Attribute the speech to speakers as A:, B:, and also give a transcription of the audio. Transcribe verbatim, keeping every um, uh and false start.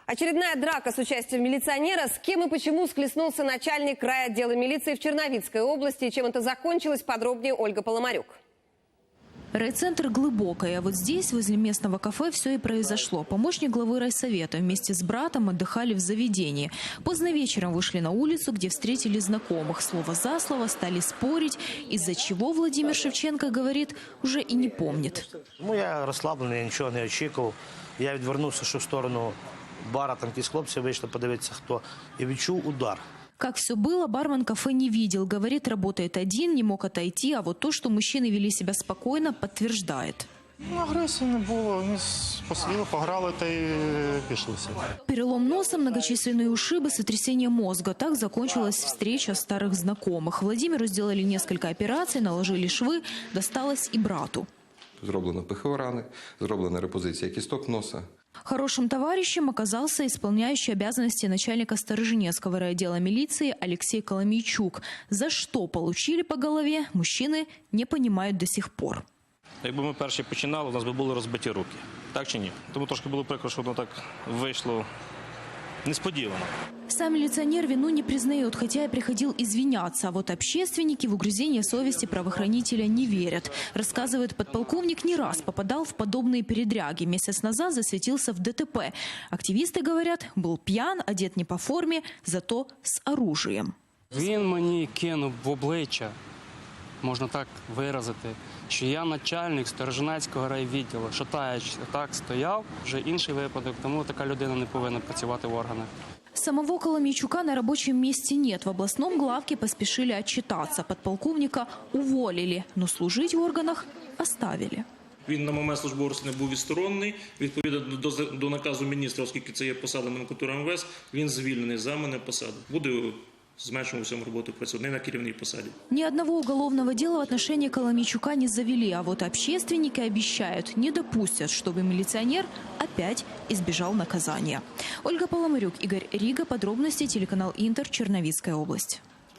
A: Очередная драка с участием милиционера. С кем и почему схлестнулся начальник райотдела милиции в Черновицкой области и чем это закончилось, подробнее Ольга Поломарюк.
B: Райцентр Глубокое. А вот здесь, возле местного кафе, все и произошло. Помощник главы райсовета вместе с братом отдыхали в заведении. Поздно вечером вышли на улицу, где встретили знакомых. Слово за слово стали спорить, из-за чего Владимир Шевченко говорит, уже и не помнит.
C: Ну, я розслаблений, я нічого не очікував. Я відвернувся, що в сторону бара, там якісь хлопці вийшли подивитися, хто, і відчув удар.
B: Как все было, бармен кафе не видел. Говорит, работает один, не мог отойти. А вот то, что мужчины вели себя спокойно, подтверждает.
D: Ну, агресії не було. Вони посиділи, пограли та й пішли.
B: Перелом носа, многочисленные ушибы, сотрясение мозга. Так закончилась встреча старых знакомых. Владимиру сделали несколько операций, наложили швы, досталось и брату.
E: Зроблено пихові рани, зроблена репозиція кісток носа.
B: Хорошим товарищем оказался исполняющий обязанности начальника Сторожинецкого райотдела милиции Алексей Коломейчук. За что получили по голове, мужчины не понимают до сих пор.
F: Якби ми перші починали, у нас би були розбиті руки. Так чи ні? Тому трошки було прикро, що воно так вийшло несподівано.
B: Сам милиционер вину не признает, хотя и приходил извиняться. А вот общественники в угрызение совести правоохранителя не верят. Рассказывает, подполковник не раз попадал в подобные передряги. Месяц назад засветился в ДТП. Активисты говорят, был пьян, одет не по форме, зато с оружием.
G: Він мені кинув в обличчя, можна так виразити, що я начальник Сторожинецького райвідділу, що та так стояв, вже інший випадок, тому така людина не повинна працювати в органах.
B: Самого Коломейчука на рабочем месте нет. В областном главке поспешили отчитаться. Подполковника уволили, но служить в органах оставили.
H: Він на момент службового розслідування був відсторонений. Відповідно до, до наказу міністра, оскільки це є посада номенклатури ем ве ес, він звільнений з мене посаду. Буде зменшено всьому роботу працювати, не на керівній посаді.
B: Ни одного уголовного дела в отношении Коломейчука не завели, а вот общественники обещают, не допустят, чтобы милиционер опять избежал наказания. Ольга Поломарюк, Игорь Рига. Подробности телеканал Интер, Черновицкая область.